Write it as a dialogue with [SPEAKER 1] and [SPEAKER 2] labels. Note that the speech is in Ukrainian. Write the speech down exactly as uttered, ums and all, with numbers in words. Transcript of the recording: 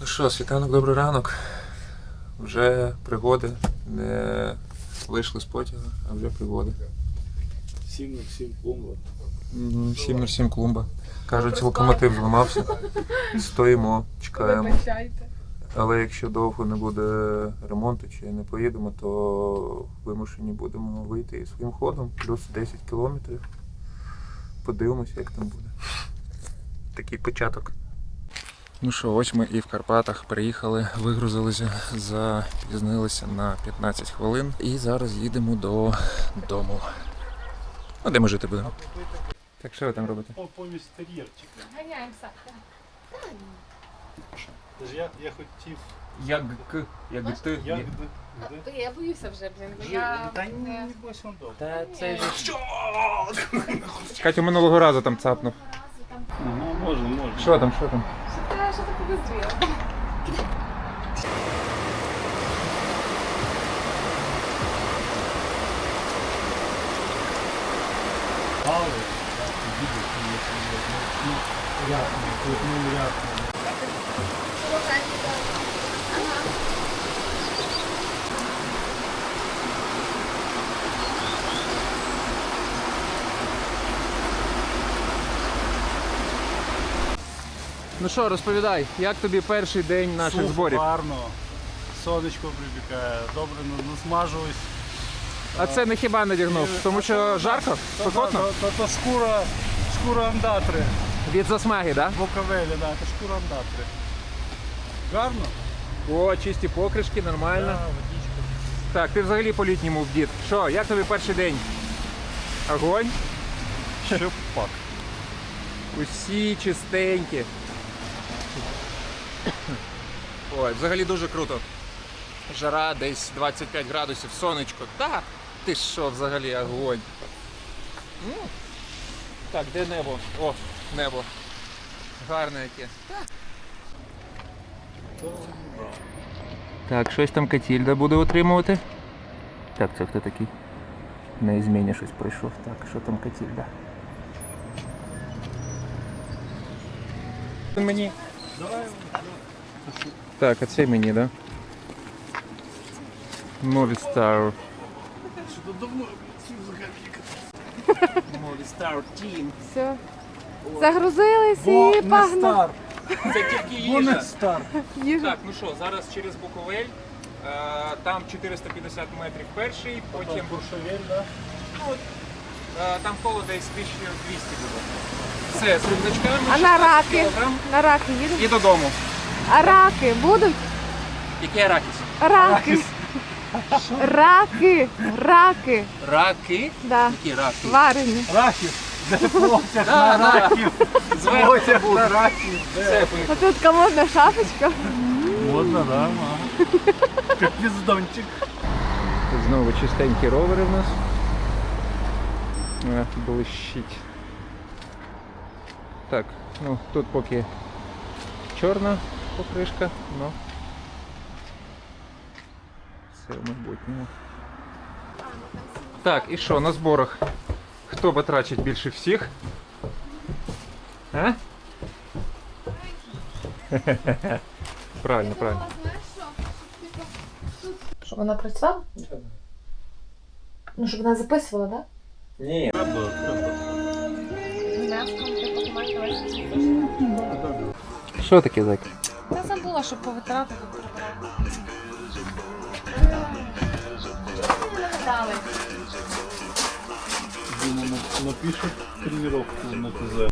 [SPEAKER 1] Ну що, світанок, добрий ранок. Вже пригоди. Не вийшли з потяга, а вже пригоди.
[SPEAKER 2] сім нуль сім клумба.
[SPEAKER 1] сім нуль сім клумба. Кажуть, локомотив зламався. Стоїмо, чекаємо.
[SPEAKER 3] Вибачайте.
[SPEAKER 1] Але якщо довго не буде ремонту чи не поїдемо, то вимушені будемо вийти і своїм ходом. Плюс десять кілометрів. Подивимося, як там буде. Такий початок. Ну що, ось ми і в Карпатах приїхали, вигрузилися, запізнилися на п'ятнадцять хвилин і зараз їдемо додому. Ну, де ми жити будемо? Так що ви там робите?
[SPEAKER 2] О, помість тер'єрчика.
[SPEAKER 3] Ганяємося.
[SPEAKER 2] Тож я, я хотів...
[SPEAKER 1] Як к, як ти.
[SPEAKER 2] Як де?
[SPEAKER 3] Я боюся вже, блін. бо
[SPEAKER 2] Жи-
[SPEAKER 3] Я...
[SPEAKER 2] Та ні, не бойся, он добре.
[SPEAKER 1] Та це що? Катю минулого разу там цапнув.
[SPEAKER 2] Ну, можна, можна.
[SPEAKER 1] Що там, що там?
[SPEAKER 3] Що ти, що ти подозріла?
[SPEAKER 2] Але, ну, рядно, тут, ну, рядно.
[SPEAKER 1] Ну що, розповідай, як тобі перший день наших зборів?
[SPEAKER 2] Гарно. Сонечко прибігає, добре насмажуюсь.
[SPEAKER 1] А це не хіба надягнув, тому що жарко? Спекотно?
[SPEAKER 2] То, то, то шкура, шкура андатри.
[SPEAKER 1] Від засмаги, так?
[SPEAKER 2] Буковелі, да, це шкура андатри. Гарно?
[SPEAKER 1] Да? О, чисті покришки, нормально.
[SPEAKER 2] Да, водичка.
[SPEAKER 1] Так, ти взагалі по-літньому вдіт. Що, як тобі перший день? Огонь?
[SPEAKER 2] Ще пак.
[SPEAKER 1] Усі чистенькі. Ой, взагалі дуже круто. Жара десь двадцять п'ять градусів, сонечко. Так, ти що взагалі огонь. Ну, так, де небо? О, небо. Гарне яке. Так, щось там Катільда буде отримувати. Так, це хто такий? На зміні щось прийшов. Так, що там Катільда? Мені.
[SPEAKER 2] Давай.
[SPEAKER 1] Так, а це мені, да? Movistar.
[SPEAKER 2] Що давно цю взагалі.
[SPEAKER 1] Movistar Team.
[SPEAKER 3] Все. Загрузились
[SPEAKER 2] Бо
[SPEAKER 3] і
[SPEAKER 2] не
[SPEAKER 3] погнали.
[SPEAKER 2] стар.
[SPEAKER 1] Це тільки
[SPEAKER 2] Бо не
[SPEAKER 1] їжа.
[SPEAKER 2] стар.
[SPEAKER 3] Їжа.
[SPEAKER 1] Так, ну що, зараз через Буковель. Е, Там чотириста п'ятдесят метрів перший, потім
[SPEAKER 2] Потім Буршевель, да?
[SPEAKER 1] ну, е, там коло десь тисяча двісті буде. Все, з рюкзачками,
[SPEAKER 3] А на
[SPEAKER 1] шістнадцять
[SPEAKER 3] раки?
[SPEAKER 1] кілограм
[SPEAKER 3] На раки їдемо?
[SPEAKER 1] і додому.
[SPEAKER 3] А раки будуть?
[SPEAKER 1] Який арахіс?
[SPEAKER 3] Раки. Раки. Раки.
[SPEAKER 1] Раки?
[SPEAKER 3] Да.
[SPEAKER 1] Які раки?
[SPEAKER 3] Варені.
[SPEAKER 2] Рахів. Де потяг
[SPEAKER 1] Да,
[SPEAKER 2] на
[SPEAKER 1] да.
[SPEAKER 2] рахів?
[SPEAKER 1] Зверху
[SPEAKER 2] Потяг
[SPEAKER 1] буде.
[SPEAKER 2] на рахів.
[SPEAKER 1] Все, поїхали.
[SPEAKER 3] А тут комодна шапочка.
[SPEAKER 2] Модно, да, ма. Як піздончик.
[SPEAKER 1] Тут знову чистенькі ровери в нас. А, блищить. Так, ну тут поки чорна покришка, но все в майбутньому. Так, і що, на зборах? Хто потрачить більше всіх? А? Правильно, правильно.
[SPEAKER 3] Щоб вона працювала? Ну, щоб вона записувала, так?
[SPEAKER 1] Ні.
[SPEAKER 2] Треба, треба.
[SPEAKER 1] Що таке, зайка?
[SPEAKER 3] Я забула, щоб повитирати тут прибрати. Не нагадали.
[SPEAKER 2] Дима напишет тренировку на ТЗ.